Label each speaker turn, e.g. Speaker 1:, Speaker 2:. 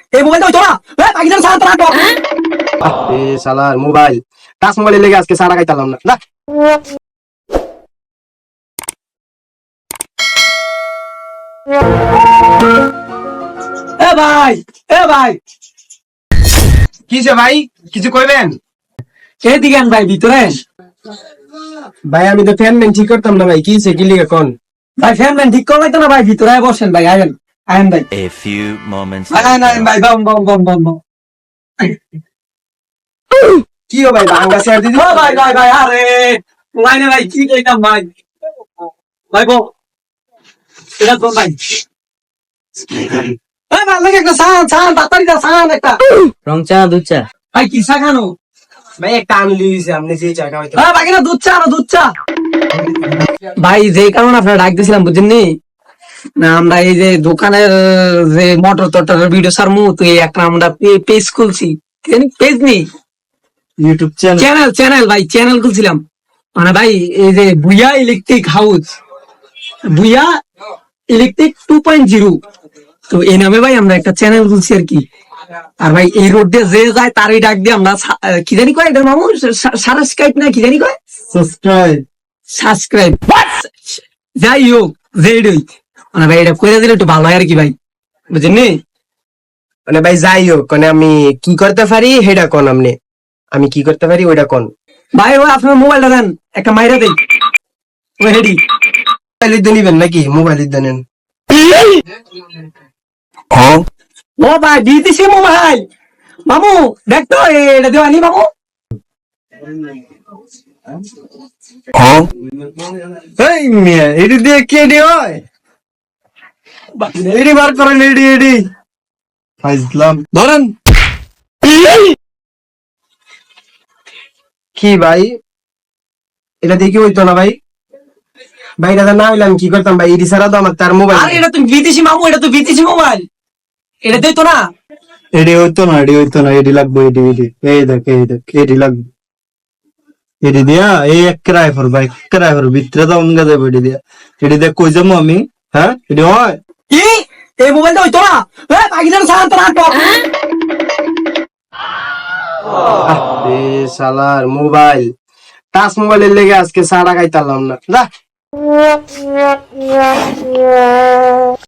Speaker 1: এই মোবাইলটা হইতো না পাকিস্তান সারা তারা
Speaker 2: এ শালার মোবাইল টাচ মোবাইলে লেগে আজকে সারা খাইতালাম না না
Speaker 1: এ ভাই এ ভাই
Speaker 2: কিসে ভাই কিছু কইবেন?
Speaker 1: এদিকে আন ভাই ভিতরে
Speaker 2: ভাই আমি তো ফ্যান ম্যান ঠিক করতাম না ভাই কিসে কি লিগে কোন
Speaker 1: ভাই ফ্যান ম্যান ঠিক করলাই তো না ভাই ভিতরে বসেন ভাই আয়েন আয়েন ভাই
Speaker 3: A few moments
Speaker 1: আয়েন আয়েন
Speaker 3: later.
Speaker 1: ভাই বম বম বম বম বম
Speaker 2: কি ও ভাই ভাঙ্গা শেয়ার দিদি
Speaker 1: ও ভাই ভাই ভাই আরে লাইনে ভাই কি কইতাম ভাই ভাই বল এটা তো ভাই এ ভাই লাগে একটা সান তাড়াতাড়ি দা সান একটা
Speaker 4: রং চা দুধ চা
Speaker 1: ভাই কি চা খানো
Speaker 2: ভাই একটা আনলি দিছে আপনি যে চা খাওয়াইতে
Speaker 1: হ্যাঁ ভাই না দুধ চা না দুধ চা ভাই যে কারণে আপনারা ডাক দিছিলাম বুঝছেন নি না আমরা এই যে দোকানের যে মোটর টটরের ভিডিও সারমু তো এই একটা আমরা পেজ খুলছি পেজ নেই
Speaker 4: ইউটিউব চ্যানেল
Speaker 1: চ্যানেল চ্যানেল ভাই চ্যানেল খুলছিলাম মানে ভাই এই যে Bhuiya electric house Bhuiya electric 2.0 তো এই নামে ভাই আমরা একটা চ্যানেল খুলছি আর কি আর ভাই এই রোড দিয়ে যে যায় তারই ডাক দিয়ে আমরা কি জানি কয় এটা মামু সাবস্ক্রাইব না কি জানি কয়
Speaker 4: সাবস্ক্রাইব
Speaker 1: সাবস্ক্রাইব যাই হোক যেই মানে ভাই এটা করে দিলে একটু ভালো হয় আর কি ভাই বুঝছেন নি
Speaker 2: মানে ভাই যাই হোক মানে আমি কি করতে পারি সেটা কোন আপনি আমি কি করতে পারি ওইটা কোন
Speaker 1: ভাই ও আপনার মোবাইলটা দেন একটা মাইরা দেই ও হেডি
Speaker 2: মোবাইল দিয়ে নিবেন নাকি মোবাইল দিয়ে নেন
Speaker 1: ও ভাই দিতেছি মোবাইল মামু দেখ তো এটা দেওয়ানি মামু
Speaker 4: এই মিয়া এডি দিয়ে কে ডি হয় এডি বার করেন এডি এডি ফাইজলাম ধরেন
Speaker 2: কি ভাই এটা দেখি হইতো না ভাই ভাই দাদা না হইলে আমি কি করতাম ভাই ইডি ছাড়া তো আমার তার মোবাইল
Speaker 1: আরে এটা তো বিদেশি মামু এটা তো বিদেশি মোবাইল এটা দেই তো না
Speaker 4: এডি হইতো না এডি লাগবে এডি এই দেখ এডি লাগবে এডি দিয়া এই এক ক্রাইফার ভাই ক্রাইফার ভিতরে তো অঙ্গা দেব এডি দিয়া এডি দেখ কই যাবো আমি হ্যাঁ এডি হয়
Speaker 1: কি এই মোবাইলটা হইতো না পাকিস্তান সারা তারা
Speaker 2: এ শালার মোবাইল টাচ মোবাইলের লেগে আজকে সারা খাইতালাম না